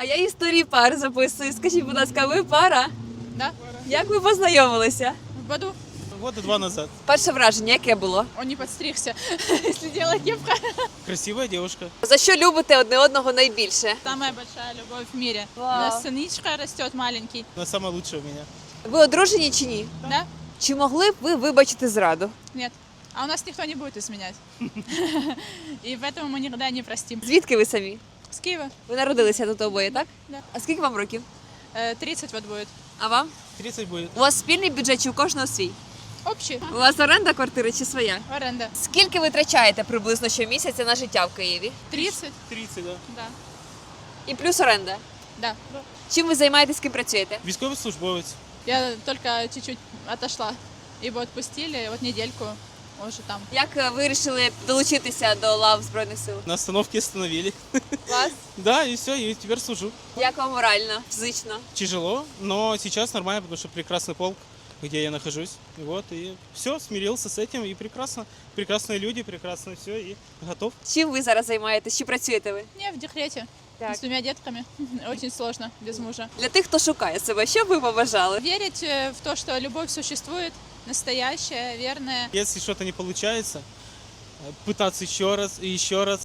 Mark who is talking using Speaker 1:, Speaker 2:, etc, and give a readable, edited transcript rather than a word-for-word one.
Speaker 1: А я історії пар записую. Скажіть, будь ласка, ви пара?
Speaker 2: Да,
Speaker 1: Як ви познайомилися?
Speaker 2: в году.
Speaker 3: Года 2 назад.
Speaker 1: Перше враження, яке було?
Speaker 2: Он не подстригся, если дело кепка.
Speaker 3: Красивая девушка.
Speaker 1: За що любите одне одного найбільше?
Speaker 2: Самая большая любовь в мире.
Speaker 1: Вау.
Speaker 2: У нас сыничка растет маленький.
Speaker 3: Она самая лучшая у меня.
Speaker 1: Ви одружені чи ні?
Speaker 2: Да?
Speaker 1: Чи могли б ви вибачити зраду?
Speaker 2: Нет. А у нас никто не будет изменять. И поэтому мы никогда не простим.
Speaker 1: Звідки ви самі?
Speaker 2: С Киева.
Speaker 1: Ви народилися тут обоє, так?
Speaker 2: Да.
Speaker 1: А скільки вам років?
Speaker 2: 30 вот будет.
Speaker 1: А вам?
Speaker 3: 30 будет.
Speaker 1: У вас спільний бюджет чи у кожного свій?
Speaker 2: Общий.
Speaker 1: У вас оренда квартири чи своя?
Speaker 2: Аренда.
Speaker 1: Скільки ви витрачаєте приблизно щомісяця на життя в Києві?
Speaker 2: 30?
Speaker 3: 30, да.
Speaker 2: Да.
Speaker 1: І плюс оренда.
Speaker 2: Да.
Speaker 1: Чим ви займаєтесь, ким працюєте?
Speaker 3: Військовослужбовець.
Speaker 2: Я только чуть-чуть отошла. Его отпустили, вот недельку уже там.
Speaker 1: Як ви вирішили долучитися до лав Збройних сил?
Speaker 3: На остановке остановили.
Speaker 1: Вас?
Speaker 3: Да, и все, и теперь служу.
Speaker 1: Як вам морально, фізично?
Speaker 3: Тяжело, но сейчас нормально, потому что прекрасный полк, где я нахожусь. И вот, и все, смирился с этим, и прекрасно. Прекрасные люди, прекрасно все, и готов.
Speaker 1: Чим ви зараз займаєтесь? Чи працюєте ви?
Speaker 2: Не, в декрете.
Speaker 1: Так.
Speaker 2: С 2 детками. Очень сложно без мужа.
Speaker 1: Для тих, хто шукає себе, що б ви побажали?
Speaker 2: Верить в то, что любовь существует, настоящая, верная.
Speaker 3: Если что-то не получается, пытаться еще раз и еще раз.